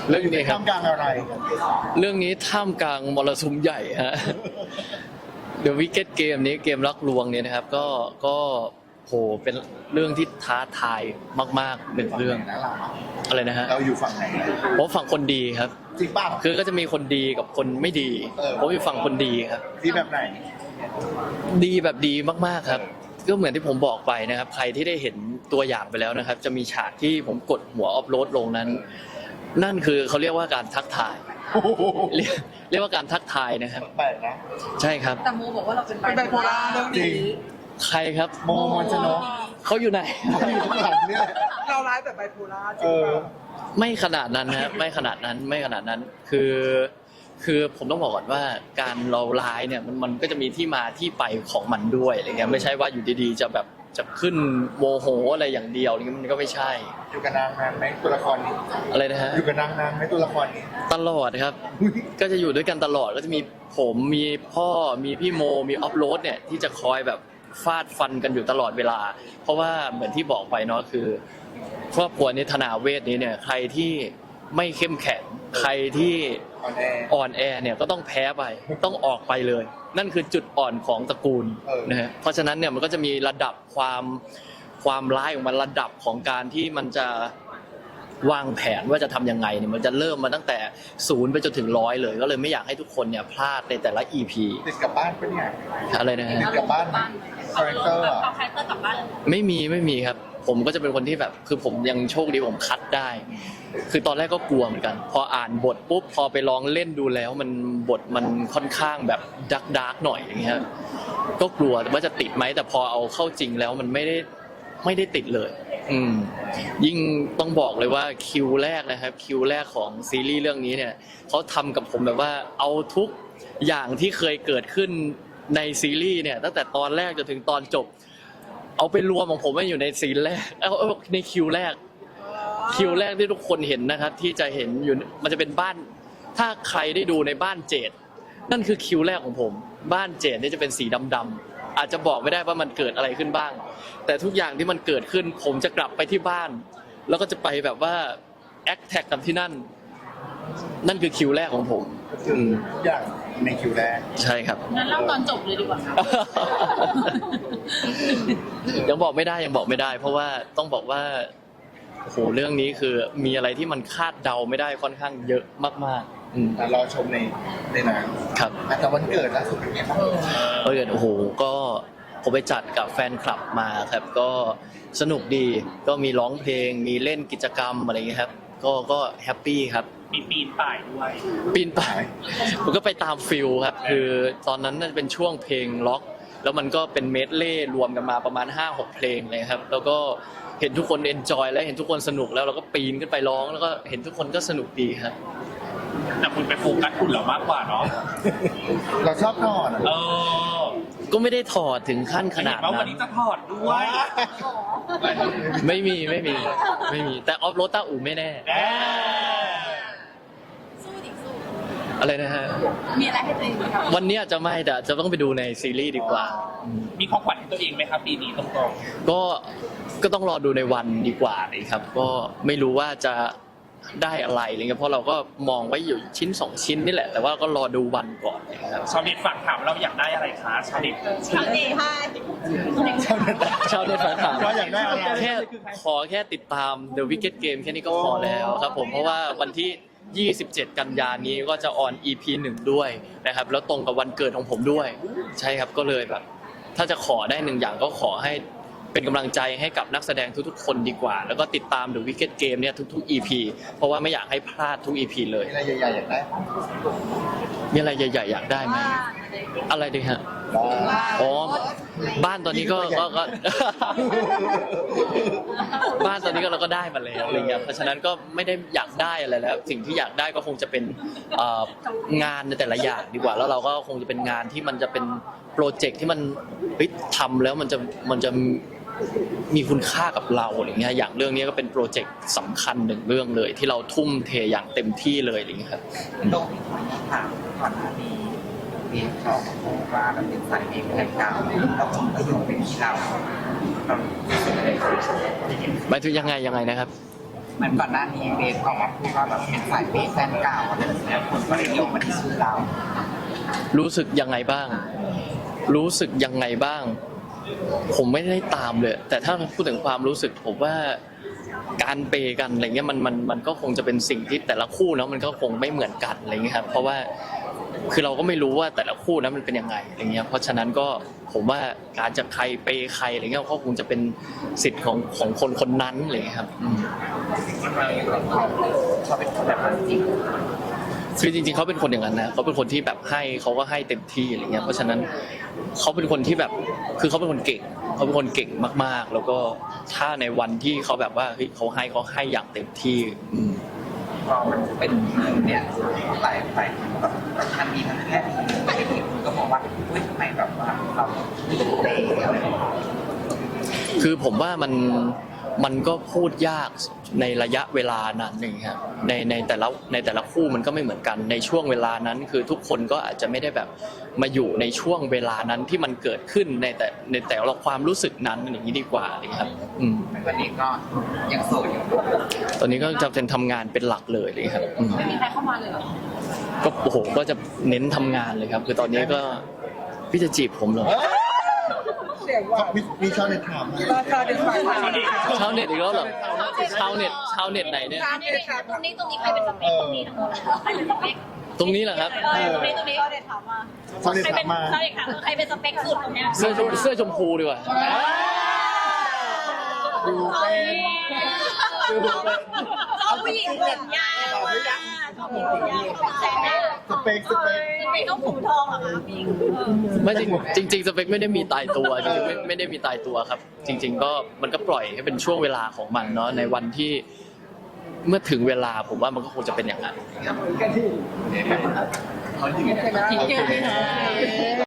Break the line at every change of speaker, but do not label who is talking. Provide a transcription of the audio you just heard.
เรื่องนี้ครับ
ท่ามกลางอะไร
เรื่องนี้ท่ามกลางมรสุมใหญ่ฮะ The Wicked Game นี้เกมรักลวงเนี่ยนะครับก็โหเป็นเรื่องที่ท้าทายมากๆหนึ่งเรื่อง
นะเรา
อะไรนะฮะ
เราอยู่ฝั่งไหน
ผมฝั่งคนดีครับ
จริงป่ะ
คือก็จะมีคนดีกับคนไม่ดี ผมอยู่ฝั่งคนดีครับ
ที่แบบไหน
ดีแบบดีมากๆครับ ก็เหมือนที่ผมบอกไปนะครับ ใครที่ได้เห็นตัวอย่างไปแล้วนะครับ จะมีฉากที่ผมกดหัวอัพโหลดลงนั้น นั่นคือเขาเรียกว่าการทักทาย เรียกว่าการทักทายนะครับ
แปลกนะ
ใช่ครับ
แต่โมบอกว่าเราเป็นไบโพล่าเรื่อง
จริ
นี้
ง
ใครครับ
โมมนชนก
เขาอยู่ไหน
เขาอยู่ข้างหลังเนี่ย
เราร้ายแบบไบโพล่าจ
เอ
ริง
อ
เปล่า
ไม่ขนาดนั้นนะครับไม่ขนาดนั้นไม่ขนาดนั้นคือผมต้องบอกก่อนว่าการเราร้ายเนี่ยมันก็จะมีที่มาที่ไปของมันด้วยอะไรเงี้ยไม่ใช่ว่าอยู่ดีๆจะแบบจะขึ้นโมโหอะไรอย่างเดียวอะไรเงี้ยมันก็ไม่ใช่
อยู่กับนางนานไหมตัวละครนี้
อะไรนะฮะ
อยู่กับนางนานไหมตัวละครนี้
ตลอดครับ ก็จะอยู่ด้วยกันตลอดก็จะมีผมมีพ่อมีพี่โมมีออฟโรดเนี่ยที่จะคอยแบบฟาดฟันกันอยู่ตลอดเวลา เพราะว่าเหมือนที่บอกไปเนาะคือครอบครัวนี้ธนาเวทนี้เนี่ยใครที่ไม่เข้มแข็งใครที่
ออนแอร์
อ่อนแอเนี่ยก็ต้องแพ้ไปต้องออกไปเลย นั่นคือจุดอ่อนของตระกูล นะฮะเพราะฉะนั้นเนี่ยมันก็จะมีระดับความร้ายของมันระดับของการที่มันจะวางแผนว่าจะทำยังไงเนี่ยมันจะเริ่มมาตั้งแต่0ไปจนถึง100เลย ก็เลยไม่อยากให้ทุกคนเนี่ยพลาดในแต่ละ EP
ติดกับบ้านปะเนี่ย
อะไรนะฮะ
ติดกับบ้านไหมคาแรคเตอร์อะ
เอาคาแรคเตอร์กลับบ้านเลย
ไม่มีครับ ผมก็จะเป็นคนที่แบบคือผมยังโชคดีผมคัดได้ คือตอนแรกก็กลัวเหมือนกัน พออ่านบทปุ๊บพอไปลองเล่นดูแล้วมันบทมันค่อนข้างแบบดาร์กหน่อยอย่างเงี้ยก็กลัวว่าจะติดไหมแต่พอเอาเข้าจริงแล้วมันไม่ได้ติดเลย ยิ่งต้องบอกเลยว่าคิวแรกนะครับคิวแรกของซีรีส์เรื่องนี้เนี่ยเขาทำกับผมแบบว่าเอาทุกอย่างที่เคยเกิดขึ้นในซีรีส์เนี่ยตั้งแต่ตอนแรกจนถึงตอนจบ เอาไปรวมของผมไว้อยู่ในซีนแรกเอาในคิวแรกที่ทุกคนเห็นนะครับ ที่จะเห็นอยู่มันจะเป็นบ้านถ้าใครได้ดูในบ้านเจดนั่นคือคิวแรกของผมบ้านเจดนี่จะเป็นสีดำๆอาจจะบอกไม่ได้ว่ามันเกิดอะไรขึ้นบ้าง แต่ทุกอย่างที่มันเกิดขึ้นผมจะกลับไปที่บ้าน แล้วก็จะไปแบบว่าแอคแท็กกับที่นั่นคือคิวแรกของผม
คือทุกอย่างในคิวแรก
ใช่ครับ
งั้นเล่าตอนจบเลยดีกว่าครับ
ยังบอกไม่ได้ เพราะว่าต้องบอกว่าโอ้โหเรื่องนี้คือมีอะไรที่มันคาดเดาไม่ได้ค่อนข้างเยอะมากๆ
รอชมในหนัง
ครับ
แต่วันเกิดล่าสุดเป็นไงบ้าง
โอ้โหก็ผมไปจัดกับแฟนคลับมาครับก็สนุกดีก็มีร้องเพลงมีเล่นกิจกรรมอะไรอย่างเงี้ยครับก็แฮปปี้ครับ
มีปีนป่ายด้วย
ปีนป่ายผมก็ไปตามฟิลครับคือตอนนั้นน่าจะเป็นช่วงเพลงล็อก แล้วมันก็เป็นเมดเล่รวมกันมาประมาณ 5-6 เพลงเลยครับแล้วก็เห็นทุกคนเอนจอยและเห็นทุกคนสนุกแล้วเราก็ปีนขึ้นไปร้องแล้วก็เห็นทุกคนก็สนุกดีครับ
แต่คุณไปโฟกัสคุณเรามากกว่าเนาะ
เราชอบนอนอะ
เออ
ก็ไม่ได้ถอดถึงขั้นขนาด
เห็ว่าวั
นั้น น
นี้จะถอดด้วย
ไม่มีแต่ออฟโรดต้าอู่ไม่แน่
แน่
สู้ดิสู้
อะไรนะฮะ
มีอะไรให้ตัวเองไหมครับ
วันนี้อาจจะไม่แต่จะต้องไปดูในซีรีส์ดีกว่า
มีของขวัญให้ตัวเองไหมครับปีนี้ตรง
ก็ต้องรอดูในวันดีกว่าเลยครับ ก็ไม่รู้ว่าจะได้อะไรอะไรเงี้ยเพราะเราก็มองไว้อยู่ชิ้น2ชิ้นนี่แหละ แต่ว่าก็รอดูวันก่อนนะครับ
ๆชาวเน็ตฝากถามเราอยากได้อะไรคะชาวเน็ต
ชาวเน็ตให้
ชาวเน็ตฝากถาม
เราอยากได้อะไร
ขอแค่ติดตาม The Wicked Game แค่นี้ก็พอแล้วครับผมเพราะว่าวันที่ 27 กันยายนนี้ก็จะออน EP 1 ด้วยนะครับแล้วตรงกับวันเกิดของผมด้วย ใช่ครับก็เลยแบบ ถ้าจะขอได้หนึ่งอย่างก็ขอให้เป็นกำลังใจให้กับนักแสดงทุกๆ คนดีกว่า แล้วก็ติดตาม The Wicked Game เนี่ยทุกๆ EP เพราะว่าไม่อยากให้พลาดทุก EP เลย
มีอะไรใหญ่ๆอยากได้
มีอะไรใหญ่ๆอยากได้ไหมอะไรดีฮะอ๋อบ้านตอนนี้ก็ บ้านตอนนี้ก็เราก็ได้มาแล้วอะไรเงี้ยเพราะฉะนั้นก็ไม่ได้อยากได้อะไรแล้ว สิ่งที่อยากได้ก็คงจะเป็นงานในแต่ละอย่างดีกว่า แล้วเราก็คงจะเป็นงานที่มันจะเป็นโปรเจกต์ที่มันทำแล้วมันจะมีคุณค่ากับเราอะไรเงี้ยอย่างเรื่องนี้ก็เป็นโปรเจกต์สำคัญหนึ่งเรื่องเลย ที่เราทุ่มเทอย่างเต็มที่เลยอะไรเงี้ยครับ
โลกที่คนถามก่อนหน้านี้มีเขาบอกว่าเราเป็นสายเองแทนเก่าแล้วผมก็โยงไปที่เราเรา
หมายถึงยังไงนะครับ
เหมือนก่อนหน้านี้เบสออกมาพูดว่าแบบเป็นสายเบสแฟนเก่าอะไรแบบเนี้ยคนก็เลยโยงมาที่ชื่อเรา
รู้สึกยังไงบ้าง รู้สึกยังไงบ้าง ผมไม่ได้ตามเลย แต่ถ้าพูดถึงความรู้สึกผมว่าการเปย์กันอะไรเงี้ยมันก็คงจะเป็นสิ่งที่แต่ละคู่เนาะมันก็คงไม่เหมือนกันอะไรเงี้ยครับเพราะว่าคือเราก็ไม่รู้ว่าแต่ละคู่นั้นมันเป็นยังไงอะไรเงี้ยเพราะฉะนั้นก็ผมว่าการจะใครเปย์ใครอะไรเงี้ยก็คงจะเป็นสิทธิ์ของคนคนนั้นอะไรเงี้ยครับ
เขาเป็นคนแบบนั้นจริง
คือจริงๆเขาเป็นคนอย่างนั้นนะเขาเป็นคนที่แบบให้เขาก็ให้เต็มที่อะไรเงี้ยเพราะฉะนั้นเขาเป็นคนที่แบบคือเขาเป็นคนเก่งเขาเป็นคนเก่งมากๆ แล้วก็ถ้าในวันที่เขาแบบว่าเฮ้ยเขาให้อย่างเต็มที่
พอมันเป็นเนี่ยหลายแบบทั้งดีทั้งแค่ดีคุณก็บอกว่าเฮ้ยทำไมแบบว่าเราเตะอะไร
คือผมว่ามันก็พูดยากในระยะเวลานั้นนี่ครับในแต่ละคู่มันก็ไม่เหมือนกันในช่วงเวลานั้นคือทุกคนก็อาจจะไม่ได้แบบมาอยู่ในช่วงเวลานั้นที่มันเกิดขึ้นในแต่ละความรู้สึกนั้นอย่างนี้ดีกว่าเลยครับ
วันนี้ก็ยังโสดอยู่
ตอนนี้ก็จะเป็นทำงานเป็นหลักเลยเลยครับ
ไม่มีใครเข้ามาเลยเหรอ
ก็โอ้โหก็จะเน้นทำงานเลยครับคือตอนนี้ก็พี่จะจีบผมเหรอ
มีชาวเน็ตถาม
ชาวเน็ตอีกแล้วเหรอชาวเน็ตไหนเนี่ย
ตรงนี้ใครเป็นสเปคตรงนี้ทั้งหมดใครเป็นสเปค
ตรงนี้เหรอครับ
ตรงนี้ชาวเน็ตถามมาชาวเน็ตถามใครเป็นสเปคสุดตรงเนี้ย
เสื้อชมพูดีกว่า
เอาผู้หญิงผมยาวชอบผู้หญิงผมยาว
สเปค
ต้องผมทองเหรอคะพี่
ไม่จริงสเปคไม่ได้มีตายตัวจริงๆไม่ได้มีตายตัวครับจริงๆก็มันก็ปล่อยให้เป็นช่วงเวลาของมันเนาะในวันที่เมื่อถึงเวลาผมว่ามันก็คงจะเป็นอย่างนั้น